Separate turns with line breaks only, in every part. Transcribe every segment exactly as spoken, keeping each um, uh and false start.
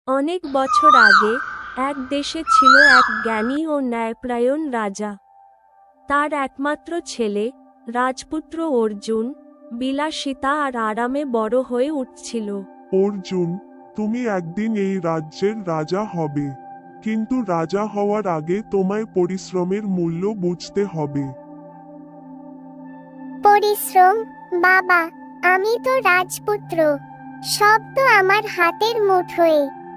অনেক বছর আগে এক দেশে ছিল এক জ্ঞানী ও ন্যায়পরায়ণ রাজা। তার একমাত্র ছেলে রাজপুত্র অর্জুন বিলাসিতা আর আরামে বড় হয়ে উঠছিল।
অর্জুন, তুমি একদিন এই রাজ্যের রাজা হবে, কিন্তু রাজা হওয়ার আগে তোমায় পরিশ্রমের মূল্য বুঝতে হবে।
পরিশ্রম? বাবা, আমি তো রাজপুত্র, সব তো আমার হাতের মুঠোয়।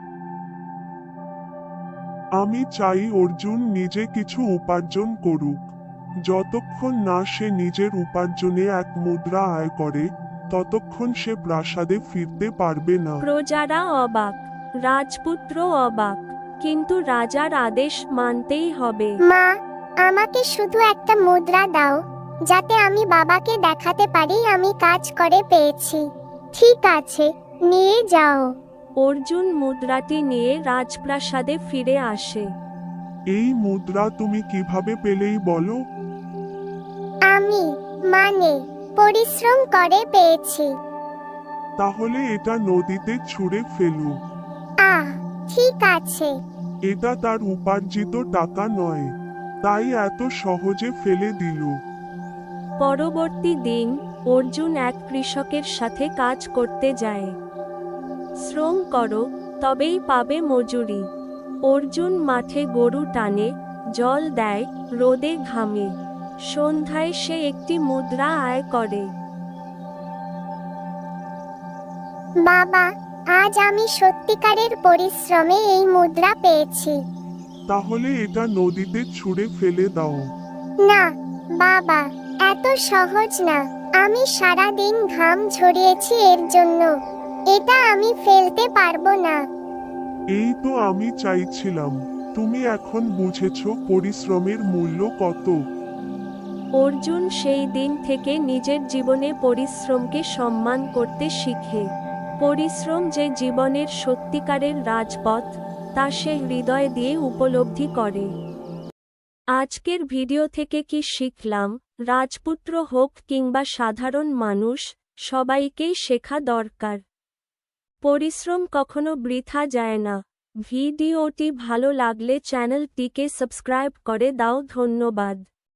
আমি চাই অর্জুন নিজে কিছু উপার্জন করুক। যতক্ষণ না সে নিজের উপার্জনে এক মুদ্রা আয় করে, ততক্ষণ সে প্রাসাদে ফিরতে পারবে না।
প্রজারা অবাক, রাজপুত্র অবাক, কিন্তু রাজার আদেশ মানতেই হবে।
মা, আমাকে শুধু একটা মুদ্রা দাও, যাতে আমি বাবাকে দেখাতে পারি আমি কাজ করে পেয়েছি। ঠিক আছে, নিয়ে যাও।
অর্জুন মুদ্রাটি নিয়ে রাজপ্রাসাদে ফিরে আসে।
এই মুদ্রা তুমি কিভাবে পেলেই বলো?
আমি, মানে, পরিশ্রম করে পেয়েছি।
তাহলে এটা নদীতে ছুঁড়ে ফেলু।
আহ, ঠিক আছে।
এটা তার উপার্জিত টাকা নয়, তাই এত সহজে ফেলে দিল।
পরবর্তী দিন অর্জুন এক কৃষকের সাথে কাজ করতে যায়। শ্রম করো, তবেই পাবে মজুরি। অর্জুন মাঠে গরু টানে, জল দেয়, রোদে ঘামে। সন্ধ্যায় সে একটি মুদ্রা আয় করে।
বাবা, আজ আমি সত্যিকারের পরিশ্রমে এই মুদ্রা পেয়েছি।
তাহলে এটা নদীতে ছুঁড়ে ফেলে দাও।
না বাবা, এত সহজ না। আমি সারা দিন ঘাম ঝরিয়েছি এর জন্য। এটা আমি ফেলতে পারবো না।
এই তো আমি চাইছিলাম, তুমি এখন বুঝেছো পরিশ্রমের মূল্য কত।
অর্জুন সেই দিন থেকে নিজের জীবনে পরিশ্রমকে সম্মান করতে শিখে। পরিশ্রম যে জীবনের সত্যিকারের রাজপথ, তা সে হৃদয় দিয়ে উপলব্ধি করে। আজকের ভিডিও থেকে কি শিখলাম? রাজপুত্র হোক কিংবা সাধারণ মানুষ, সবাইকেই শেখা দরকার। পরিশ্রম কখনো বৃথা যায় না। ভিডিওটি ভালো লাগলে চ্যানেলটিকে সাবস্ক্রাইব করে দাও। ধন্যবাদ।